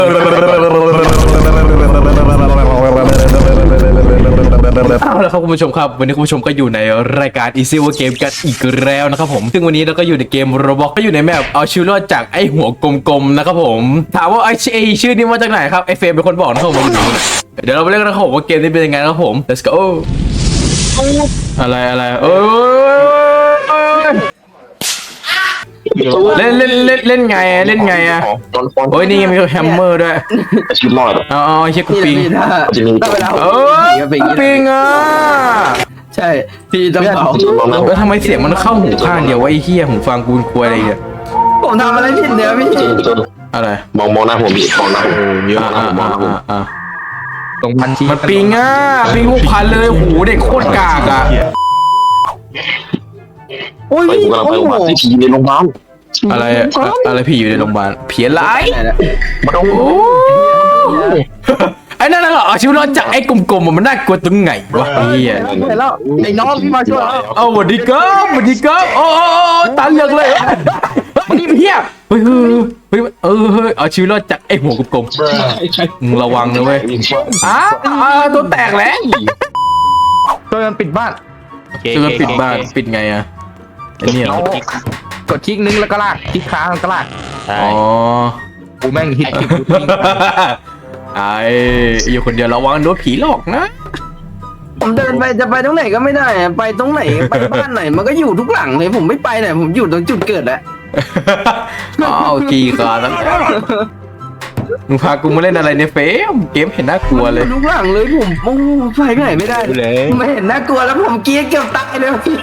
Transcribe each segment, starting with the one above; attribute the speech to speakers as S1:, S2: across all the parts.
S1: เอาละครับคุณผู้ชมครับวันนี้คุณผู้ชมก็อยู่ในรายการ Easy War Game กันอีกแล้วนะครับผมซึ่งวันนี้เราก็อยู่ในเกม Roblox ก็อยู่ในแมปเอาชีวิตรอดจากไอ้หัวกลมๆนะครับผมถามว่าไอ้ชื่อนี้มาจากไหนครับไอ้เฟรมเป็นคนบอกนะครับผมเดี๋ยวเราไปเล่นกันนะครับผมว่าเกมนี้เป็นยังไงนะครับผม let's go อะไรเล่นไงอะโอ้ยนี่มีแฮมเมอร์ด้วย
S2: ชีวิตรอด
S1: อ๋อเชี่ยกูปิง
S2: จะมี
S1: ปิงอ่ะ
S3: ใช่พี่ต้องเผา
S1: แล้วทำไมเสียงมันเข้าหูข้างเดียววะไอ้เหี้ยหูฟังกูควยอะไรเนี่ย
S3: ผมทำอะไรผิดเนี่ยพี่
S1: อะไร
S2: มองหน้าผมดิมองหน้าผมเยอะมองหน้าผม
S3: ตรงพันชี
S1: มันปิงอ่ะปิงพวกพันเลยหูเด็กโคตรกากอ่ะ
S3: โอ้ย
S2: ไปกูกำลังไปโรงพยาบาลที่ทีในโรงพยาบาล
S1: อะไรผีอยู่ในโรงพยาบาลผีอะไร
S2: มาดู
S1: ไอ้นั่นเหรอชีวิตรอดจากไอ้กลมๆมันน่ากลัวตรงไหนวะไอ้เหี้ย
S3: แล้วไอ้น้องพี่มาช่วยแล้ว
S1: เอาสวัสดีครับโอ้ตาเหลือกเลยมันนี่เหี้ยเฮ้ยเอาชีวิตรอดจากไอ้หัวกลมๆมึงระวังนะเว้ยตัวแตกแล้ว
S3: ตัวมันปิดบ้าน
S1: ตัวมันปิดบ้านปิดไงอะไอ้เนี่ย
S3: กดคลิกนึงแล้วก็ลากคลิกค้างแล้วก็ลาก
S1: อ๋อ
S3: กูแม่งฮิตคลิป
S1: ไอ้อยู่คนเดียวระวังโดนผีหลอกนะ
S3: ผมเดินไปจะไปตรงไหนก็ไม่ได้ไปตรงไหนไปบ้านไหนมันก็อยู่ทุกหลังเลยผมไม่ไปไหนผมอยู่ตรงจุดเกิดแหละ
S1: กี่ขาแล้วมึงพากูมาเล่นอะไรเนี่ยเฟมเกมเห็นน่ากลัวเลย
S3: ทุกหลังเลยผมโอ้ไปไหนไม่ได้เลยไม่เห็นน่ากลัวแล้วผมเกียร์เกือบตายเลยพี่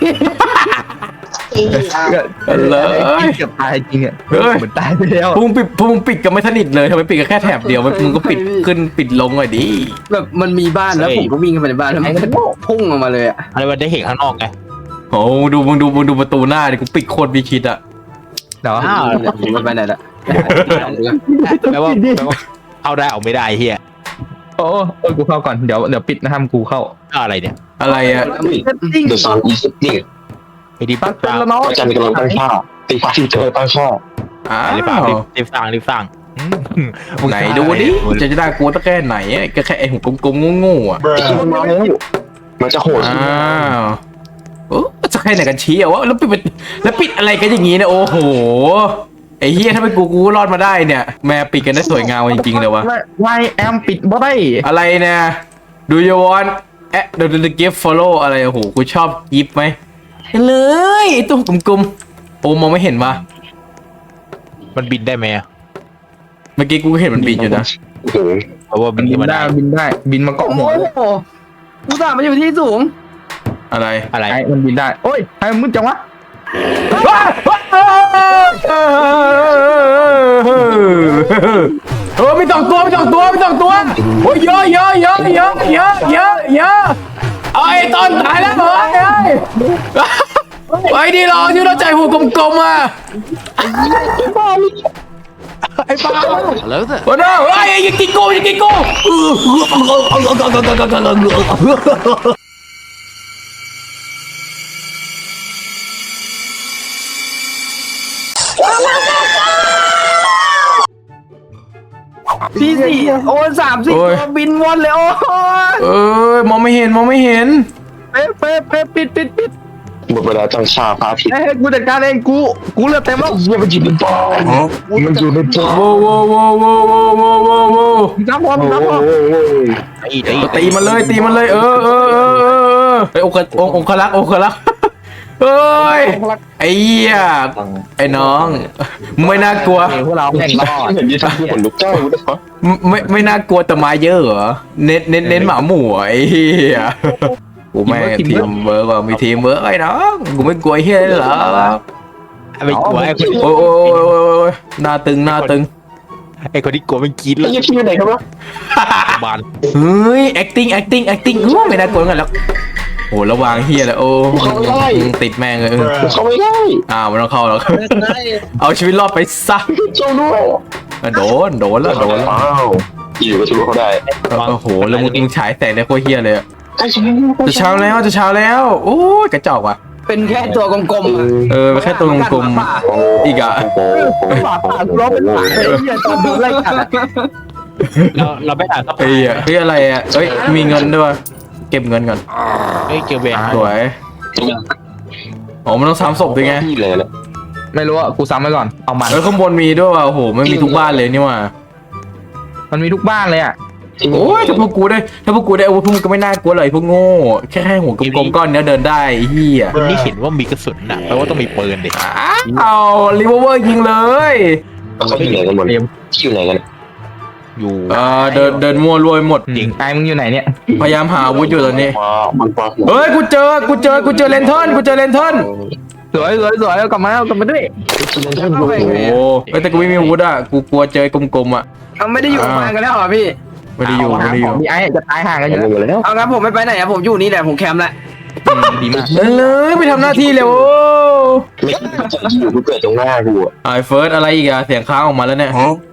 S1: เลย
S3: เกือบตายจริงอ่ะเหมือนตายไปแล้ว
S1: พุ่งปิดกันไม่สนิทเลยทำไมปิดกันแค่แถบเดียวมึงก็ปิดขึ้นปิดลงหน่อยดิ
S3: แบบมันมีบ้านแล้วผมก็วิ่งเข้าไปในบ้านแล้วมันก็พุ่งออกมาเลยอะ
S4: อะไรมันได้เห็นข้างนอกไง
S1: โอ้มึงดูประตูหน้าดิกูปิดโคตรมีคิดอะ
S3: เนาะมันไปไหนละ
S4: แปลว่าเข้าได้ออกไม่ได้เฮีย
S3: โอ้กูเข้าก่อนเดี๋ยวปิดนะห้ามกูเข้า
S4: อะไรเนี่ย
S1: อะไรอะ
S2: เดอะซอนอีสิบนี่
S4: ไอ้ดิปั๊บ
S3: แล้วเนาะ
S2: อาจารย์กำลังตั้งค่าตีฟ้าที่เจอตั้งค่า
S4: รีบสั่ง
S1: ไหนดูดิจะได้กลัวตั้งแค่ไหนก็แค่ไอ้หัวกลมๆงูๆอ่ะ
S2: มันจะโหด
S1: จะแค่ไหนกันชี้อ่ะวะแล้วปิดอะไรกันอย่างงี้เนี่ยโอ้โหไอ้เฮียถ้าเป็นกูรอดมาได้เนี่ยแม่ปิดกันได้สวยงามจริงๆเลยวะ
S3: Why am ปิดบ่ได้
S1: อะไรเนี่ยดูยูวอนดูกิฟต์ follow อะไรโอ้โหกูชอบกิฟต์ไหมเห็นเลยตัวกลมๆโอ้มองไม่เห็นวะ
S4: มันบินได้ไหม
S1: เมื่อกี้กูเห็นมันบินอยู่นะ
S4: เพราะว่าบิน
S3: ได้บินมาเกาะหัวกูตามมันอยู่ที่สูง
S1: อะไร
S3: มันบินได้โอ้ยไอ้มึงจังวะ
S1: ไม่ต้องตัวโอ้ยเยอะไอ้ต้นตายแล้วไอ้ดีรอที่เราใจหัวกลมๆอ่ะไอ้ป้าแล้วแต่โอ้โหไอ้ยังกินกู
S3: พี่สี่โอ้30ตัวบินวนเลยโอ้
S1: มองไม่เห็น
S3: เป๊ะปิด
S2: หมดเวลาจังชาพาผิด
S3: กูจัดการเองกูเลือดเต็มแล้ว
S2: มันอยู่ในปอมันอยู่ในปอ
S3: จับพอ
S1: ตีมันเลยไอ้องคลักษ์เฮ้ยไอ้เหี้ยไอ้น้องไม่น่ากลัว
S3: พวกเราแข่งรอด
S2: เห็นยี่ห้อคนลุกเจ้านะครับ
S1: ไม่น่ากลัวแต่มาเยอะเหรอเน้นหมาหมูไอ้เหี้ยกูแม่ทีมเวิร์กมีทีมเวิร์กไอ้น้องกูไม่กลัวเหี้ยเหรอ
S4: ไม่กลัวไอ้คน
S1: โอ้ยหน้าตึง
S4: ไอ้คนที่กลัวมันกิน
S2: แล้วยังที่ไหนครับวะ
S4: บ้าน
S1: เฮ้ย acting ไม่น่ากลัวกันแล้วโอ้ระวังเฮียเลยโอ้ติดแม่งเลย
S2: เขาไม่ได้
S1: มันต้องเข้าแล้วเอาชีวิตรอดไปซะ
S2: เจ้าด้วย
S1: โดนแล้ว
S2: อยู่ก็ชูเขาได้
S1: โอ้โหแล้วมึงฉายแสงในโคตรเฮียเลยจะเช้าแล้วโอ้ยกระจอกว่ะ
S3: เป็นแค่ตัวกลมๆอะ
S1: แค่ตัวกลมๆอีกอ่ะ
S3: หมาป่าร้องเป็นหมาไอ้เหี้ยตอนโดนไล่กัดอะ
S4: เราไม่อ่านสัก
S1: เฮ้ยเฮ้ยอะไรอ่ะเฮ้ยมีเงินด้วยวะเก็บเงินก่อน
S4: เฮ้ยเกียวแหวน
S1: สวยอ๋อมันต้องซ้ำศพด้วยไง
S2: ที่เลยนะ
S5: ไม่รู้อ่ะกูซ้ำไว้ก่อนเอามัน
S1: ข้างบนมีด้วยว่ะโอ้โหมันมีทุกบ้านเลยนี่ว่ะ
S5: มันมีทุกบ้านเลยอ่ะ
S1: โอ้ยถ้าพวกกูได้อาวุธพวกมึงก็ไม่น่ากลัวเลยพวกโง่แค่หัวกลมๆก้อนเนี้ยเดินได้ไอ้เฮีย
S4: มันนี่เห็นว่ามีกระสุนน่ะแปลว่าต้องมีปืนดิ
S1: เอารีเวอร์ยิงเลย
S2: เขาอยู่ไหนกันหมดที่อยู่ไหนกัน
S4: อยู่
S1: เดินมั่วรวยหมด
S5: จริงไอ้มึงอยู่ไหนเนี่ย
S1: พยายามหาอาวุธอยู่ตอนนี้
S2: มันฟ้า
S1: เฮ้ยกูเจอเลนเทิร์น
S5: สวยเอากลับมาด้วย
S1: โอ้โหเฮ้ยแต่กูไม่มีอาวุธอ่ะกูกลัวเจอกลมๆอ่ะ
S3: เอาไม่ได้อยู่ประมาณกันแล้วเหรอพี่
S1: ไม่ได้อยู่
S5: มีไอ้จะตายห่างกันอยู่
S2: หมดแล้ว
S3: เอางั้นผมไม่ไปไหนอะผมอยู่นี่แหละผมแคมป์ละ
S5: ดีมาก
S1: เลยไปทำหน้าที่เร็ว
S2: ไม่อยู่กูเกิดตรงหน้ากูอ่ะ
S1: ไอ้เฟิร์สอะไรอีกอะเสียงค้างออกมาแล้วเนี่ย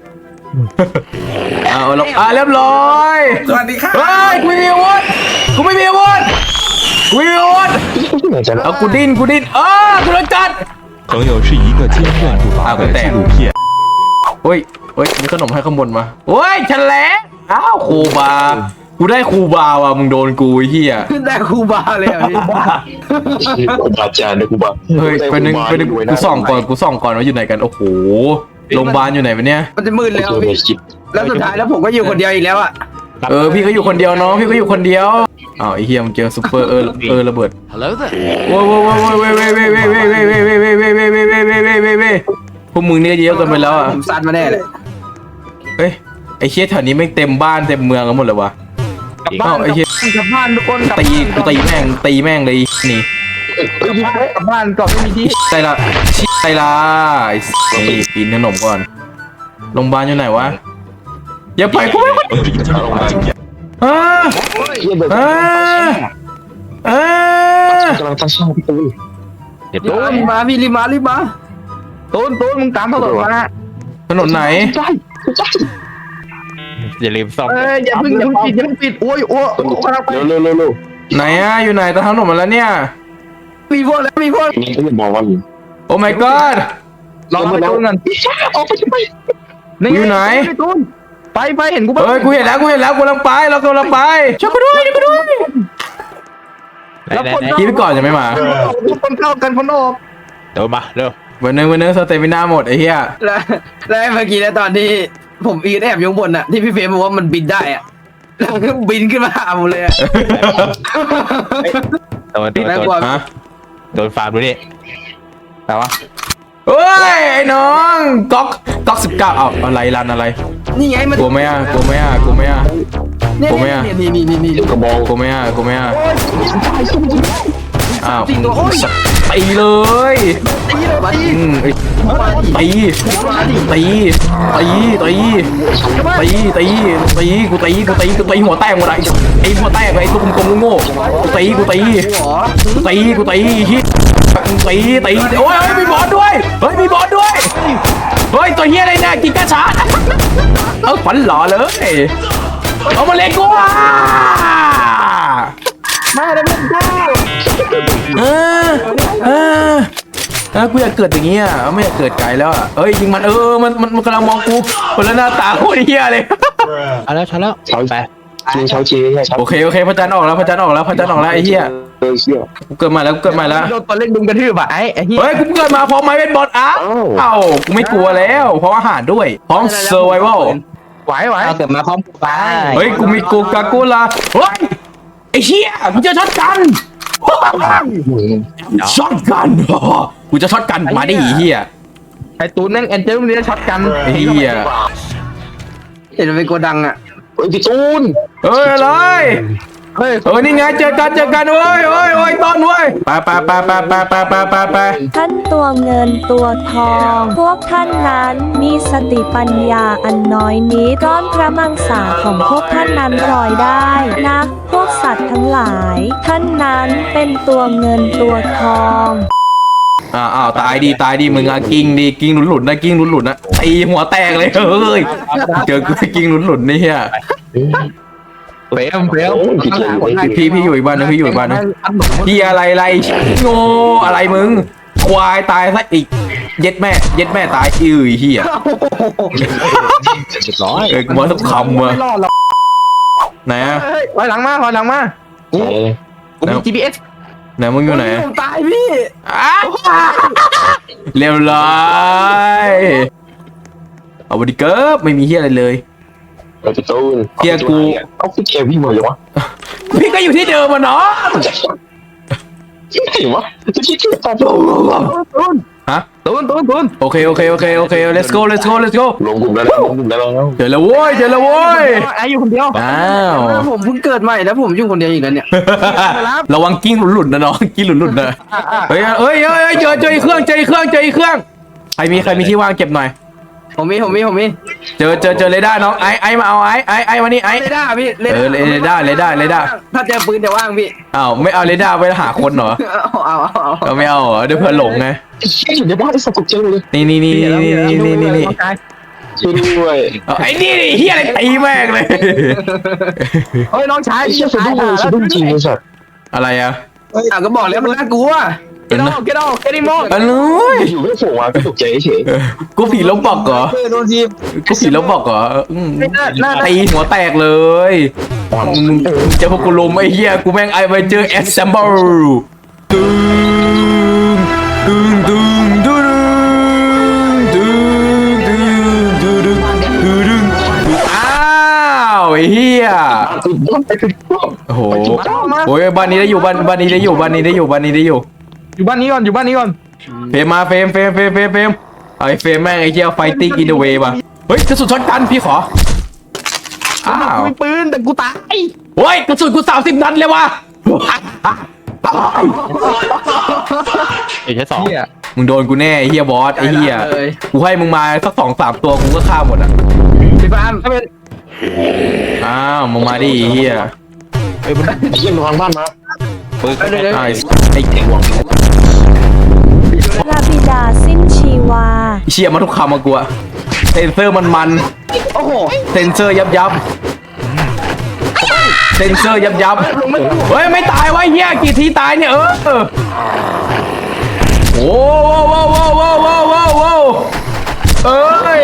S1: เอาแล้วเรียบร้อย
S3: สวัสดีครับ
S1: เฮ้ยกูไม่มีอาวุธเอากูดิ้นกูโดนจัด
S6: 朋友是一个精炼入法的纪录片。
S1: เฮ้ยมีขนมให้ข้างบนมาเฮ้ยฉันแหละอ้าวครูบากูได้ครูบาว่ะมึงโดนกูไอ้เหี้ย
S3: ขึ้นได้ครูบาเลยอ่ะพี่
S2: กูบาจานเลยกูบา
S1: เฮ้ยไปนึงกูส่องก่อนว่าอยู่ไหนกันโอ้โหโรงพยาบาลอยู่ไหนวะเนี่ย
S3: มันจะมืดแล้ว
S2: เจอ
S3: พี่
S2: ในคลิป
S3: แล้วสุดท้ายแล้วผมก็อยู่คนเดียวอีกแล้วอ่ะ
S1: พี่ก็อยู่คนเดียวน้องพี่ก็อยู่คนเดียวอ้าวไอ้เหี้ยมึงเจอซุปเปอร์ระเบิด
S6: Hello there。
S1: โว้ยพวกมึงเนี่ยเยอะเกินไปแล้วอ่ะ
S3: ผมซัดมาแน่เลย
S1: เฮ้ยไอ้เชี่ยแถวนี้ไม่งเต็มบ้านเต็มเมืองกันหมดเลยวะ
S5: กลับบ้า
S1: เอ้าน ไอ้เชี่ย
S3: กลับบ้านทุกคนกลับ
S1: กูตีแม่งเลยนี่
S5: กลับบ้านก่อนไม่มีที่
S1: ไอ้นี่กินขนมก่อนโรงพยาบาลอยู่ไหนวะอย่าไปกูอ่าอ่า
S2: กำลังตั้งช่องพี่ตูน
S4: เดี๋ยว
S3: รีบมาพี่รีบมา
S5: ตูนมึงตามถนนมา
S1: ถนนไหน
S4: อย่าลืมซ่อม
S5: อย่าเพิ่งปิดโอ้ยกำลังไป
S2: เร็ว
S1: ไหนอะอยู่ไหนตะถนนมาแล้วเนี่ย
S3: มีพวกแล้วมีพวก
S2: นี่ก็จะบอกว่า
S1: โอ้ my god
S5: รอไปตูนก่อน
S2: ออกไปทำไม
S1: อยู่ไหน
S5: ตูนไปเห็นกูป่ะ
S1: เฮ้ยกูเห็นแล้วกูกำลังไปช่วยกูด้วย
S5: แล้วคน
S1: กินไปก่อนจะไม่มา
S5: คนเข้ากันคนออก
S4: เดี๋ยวมาเร็ว
S1: วันนึงสเตมิน่าหมดไอ้เหี้ย
S3: แล้วเมื่อกี้นะตอนที่ผมอีนแอบอยู่บนอ่ะที่พี่เฟรมบอกว่ามันบินได้อ่ะแล้วก็บินขึ้นมาหาผมเลยอ่ะ น่ากลัว
S1: ฮะ
S4: โดนฟาร์มดูนี่
S5: แต่ว่า
S1: เฮ้ยไอ้น้องก๊อก19เอาอะไรรันอะไร
S3: นี่ไงมัน
S1: กลัวไหมอ่ะ
S3: เนี่ย
S1: ผมไม่อ่ะ
S3: นี่
S2: กระบอก
S1: กลัวไหมอ่ะอ้าว
S3: จริงตัวโอ้ย
S1: ตีเลย
S3: มาดิ
S1: ตีหัวแตกหมดไอ้หัวแตกไอ้ตัวกลมๆโง่กูตี
S3: หัว
S1: ฮิตีโอ้ยมีบอสด้วยเฮ้ยตัวเฮียอะไรเนี่ยกินกระชาเอาขวัญหล่อเลยเอามาเล็กกูอ่ะ
S3: มาแล้วมันได้
S1: กูอยากเกิดอย่างเงี้ยไม่อยากเกิดไกลแล้วอ่ะเอ้ยยิงมันมันกำลังมองกูคนละหน้าตาโคตรเฮียเลย
S4: เอาแล้วช้าแล้ว
S2: เช้า
S4: ไป
S2: จริงเช้าเจ๊ใช่เช้า
S1: โอเคพระจันทร์ออกแล้วไอ้เหี้ย
S2: เชี่ย
S1: กูเกิดมาแล้ว
S5: โดนตัวเล็กดุมกระทืบอ่ะไอ้เหี้ย
S1: เฮ้ยกูเกิดมาพร้อมไม้เป็นบอลอ้าวกูไม่กลัวแล้วพร้อมอาหารด้วยพร้อมเซอร์ไววัล
S5: ไหว
S3: เกิดมาพร้อมกูไป
S1: เฮ้ยกูมีกูกากูลาเฮ้ยไอ้เหี้ยกูจะช็อตกันกูจะช็อตกันมาดิเหี้ย
S5: ไอ้ตูนแม่งแอนเจลมันจะช็อตกัน
S1: ไอ้เหี้ย
S3: เห็นมันเป็นโกดังอ่ะ
S2: พี่ตูน
S1: เฮ้ยอะไร
S5: เฮ้ย
S1: นี่ไงเจอกันเว้ยต้นเว้ยไป
S7: ท่านตัวเงินตัวทอง พวกท่านนั้นมีสติปัญญาอันน้อยนิดก้อนพระมังสาของพวกท่านนั้นลอยได้นะพวกสัตว์ทั้งหลาย ท่านนั้นเป็นตัวเงินตัวทอง
S1: อ้าวตายดีมึงอะกิ้งหลุดนะตีหัวแตกเลยเฮ้ยเจอกูกิ้งหลุดนี่เฮีย
S5: เฟม
S2: พี่เจอ
S1: พี่อยู่อีกบ้านนึงพี่อยู่อีกบ้านนึงพี่อะไรโง่อะไรมึงควายตายซะอีกเย็ดแม่ตายอื้อเหี้ย
S4: เรียบร้อย
S1: กูมาสักคำว่ะ
S5: ไม่รอดหรอก
S1: ไหนอะ
S5: เฮ้ยถอยหลังมากูมี GPS
S1: ไหนมึงอยู่ไหน
S3: ผมตายพี่
S1: อ้าวเรียบร้อยเอาบดีเกิร์ไม่มีเฮียอะไรเลย
S2: เราจะตูนเอาพี่เกวิ่งมาเลยวะ
S1: พี่ก็อยู่ที่เดิมอะเนาะ
S2: ยังไงวะจะคิดถึงตาโต
S1: ฮะ
S5: ตูน
S1: โอเค let's go
S2: ลงกลุ่มแล้ว
S1: เจอแล้วโว้ย
S5: ไอ้อยู่คนเดียว
S1: อ้าว
S3: ผมเพิ่งเกิดใหม่แล้วผมอยู่คนเดียวอีกแล้วเนี่ย
S1: ระวังกิ้งหลุดนะน้องกิ้งหลุดนะเฮ้ยเจออีกเครื่องใครมีที่ว่างเก็บหน่อย
S3: ผมมี
S1: เจอเรดาร์น้องไอ้มาเอาไอ้มานี่ไอ้
S3: เรดาร์พี่
S1: เออเรดาร์
S3: ถ้าเจอปืนจะว่างพี่
S1: อ้าวไม่เอาเรดาร์ไปหาคนเหรอ
S3: เอา
S1: ก็ไม่เอาเหรอเดี๋ยวเพื่อนหลงไง
S2: อยู่ในบ้านที่สกุลเจอเลย
S1: นี่
S2: ช่วยด้วย
S1: ไอ้นี่เฮียอะไรตีแม่งเลย
S5: เฮ้ยน้องชาย
S2: ไอ้เชี่ยสะดุ้งจริงไอ้สัตว์
S1: อะไรอะ
S3: ก็บอกแล้วมันน่ากลัว
S5: เกดอเกดิโม
S1: อันนู้ย
S2: อยู่ไม่โผล่มาก็ตกใจเฉย
S1: กูผีลบบอกเหรอกูผีลบบอกเหรอตีหัวแตกเลยมึงเจอพวกกูลุมไอ้เหี้ยกูแม่งไอไปเจอแอสเซมเบิลดึงอ้าวไอ้เหี้ยโอ้โหโอ้ยบ้านนี้ได้อยู่บ้านนี้ได้อยู่
S5: อยู่บ้านนี้ก่อน
S1: เฟรมมาเฟรมไอ้เฟรมแม่งไอ้เหี้ยไฟติ้งอินเดอะเวย์ป่ะเฮ้ยกระสุนช็อตกันพี่ขออ้าว
S5: มีปืนแต่กูตาย
S1: เฮ้ยกระสุนกู30 นัดเลยว่ะ
S4: เอใช้สอง
S5: เฮีย
S1: มึงโดนกูแน่ไอ้เหี้ยบอสไอ้เหี้ยกูให้มึงมาสัก2-3 ตัวกูก็ฆ่าหมดอ่ะ
S3: พี่ฟาร์ม
S1: อ้าวมึงมาดิไอ้เหี้ย
S2: ไอ้เชี่ยระวังบ้านมา
S1: ไอ้
S7: ระบิดาสิ้นชีวา
S1: เชี่ยมาทุกคำมากูอะเซนเซอร์มัน
S3: โอ้โห
S1: เซนเซอร์ยับเซนเซอร์ยับเฮ้ยไม่ตายวะเหี้ยกี่ทีตายเนี่ยโอ้เอ้ย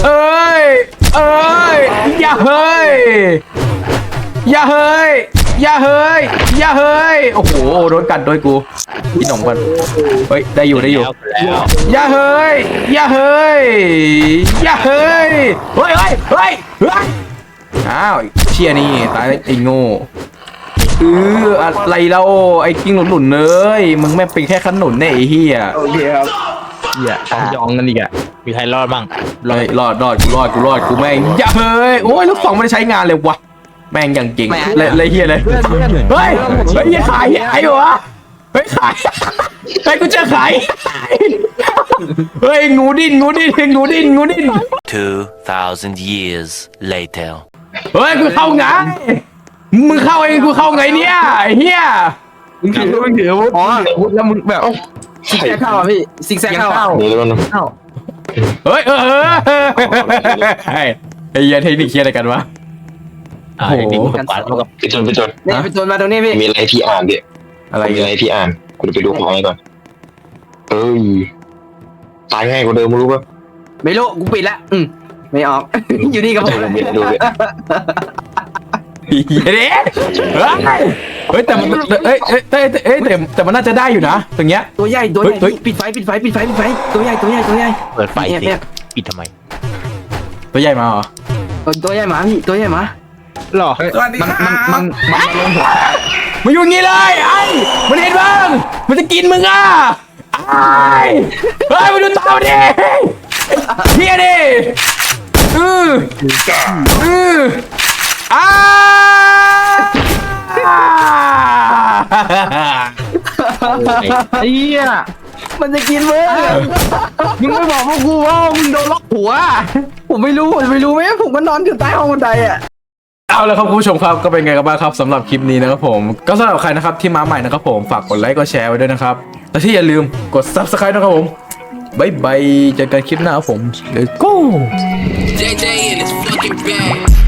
S1: อย่าเฮ้ยโอ้โหโดนกัดโดยกูพี่หนุ่มกันเฮ้ยได้อยู่
S4: แล้ว
S1: อย่าเฮ้ยเฮ้ยอ้าวเชี่ยนี่ตายไอ้โง่อะไรเราไอ้กิ้งหลุนเลยมึงแม่งเป็นแค่ขนุนเนี่ยไอ้เหี้ย
S3: โอเคครับ
S5: เฮียต้องยองกันอีกอ่ะ
S4: มีใครรอดบ้าง
S1: รอดกูแม่งอย่าเฮ้ยโอ้ยลูกสองไม่ได้ใช้งานเลยวะแม่งอย่างเก่งเลยเหี้ยเลยเฮ้ยขายไอ้วะเฮ้ยขายไอ้กูจะขายเฮ้ยงูดิ้น
S8: 2,000 years later.
S1: เฮ้ยกูเข้าไงมึงเข้าเองกูเข้าไงเนี่ยไอ้เหี้ย
S5: มึงถืออาวุธแล้วมึงแบบ
S3: ซิกแซกเข้าอ่ะพี่ซิกแซกเข้าอ่ะ
S2: เดี๋ยวมัน
S1: เฮ้ยไอ้เหี้ยเทคนิคเคียอะไรกันวะ
S4: ไอ้นี่มันปัดมันกับ
S2: ไปจน
S3: นี่ไปจนมาตรงนี้พี่
S2: มีอะไรพี่อ่านดิ
S1: อะไร
S2: มีอะไรพี่อ่านกูจะไปดูของให้ก่อนตายง่ายกว่าเดิมรู้ป่ะ
S3: ไม่รู้กูปิดละไม่ออก อยู่นี่กับผม
S2: ไม่ดูเลย
S1: เฮ้ยแต่มันแต่มันน่าจะได้อยู่นะตรงเนี้ย
S3: ตัวใหญ่ปิดไฟตัวใหญ่
S4: เปิดไฟ
S3: เนี่ย
S4: ปิดทำไม
S1: ตัวใหญ่มาเหรอ
S3: ตัวใหญ่หมาพี่ตัวใหญ่หมา
S5: หรอมันลงหัว
S1: มันอยู่งี้เลยไอ้มันเห็นบ้างมันจะกินมึงอ่ะไอ้เฮ้ยมาดูตาดิเฮียดิ
S5: เฮีย
S3: มันจะกินมึง
S5: มึงไม่บอกพวกกูว่ามึงโดนล็อกหัว
S3: ผมไม่รู้ไหมผมก็นอนอยู่ใต้ห้องบันไดอ่ะ
S1: เอาละครับคุณผู้ชมครับก็เป็นไงกันบ้างครับสำหรับคลิปนี้นะครับผมก็สำหรับใครนะครับที่มาใหม่นะครับผมฝากกดไลค์กดแชร์ไว้ด้วยนะครับและที่อย่าลืมกด Subscribe นะครับผมบ๊ายบายเจอกันคลิปหน้าครับผม Let's go
S8: JJ in his fucking bag.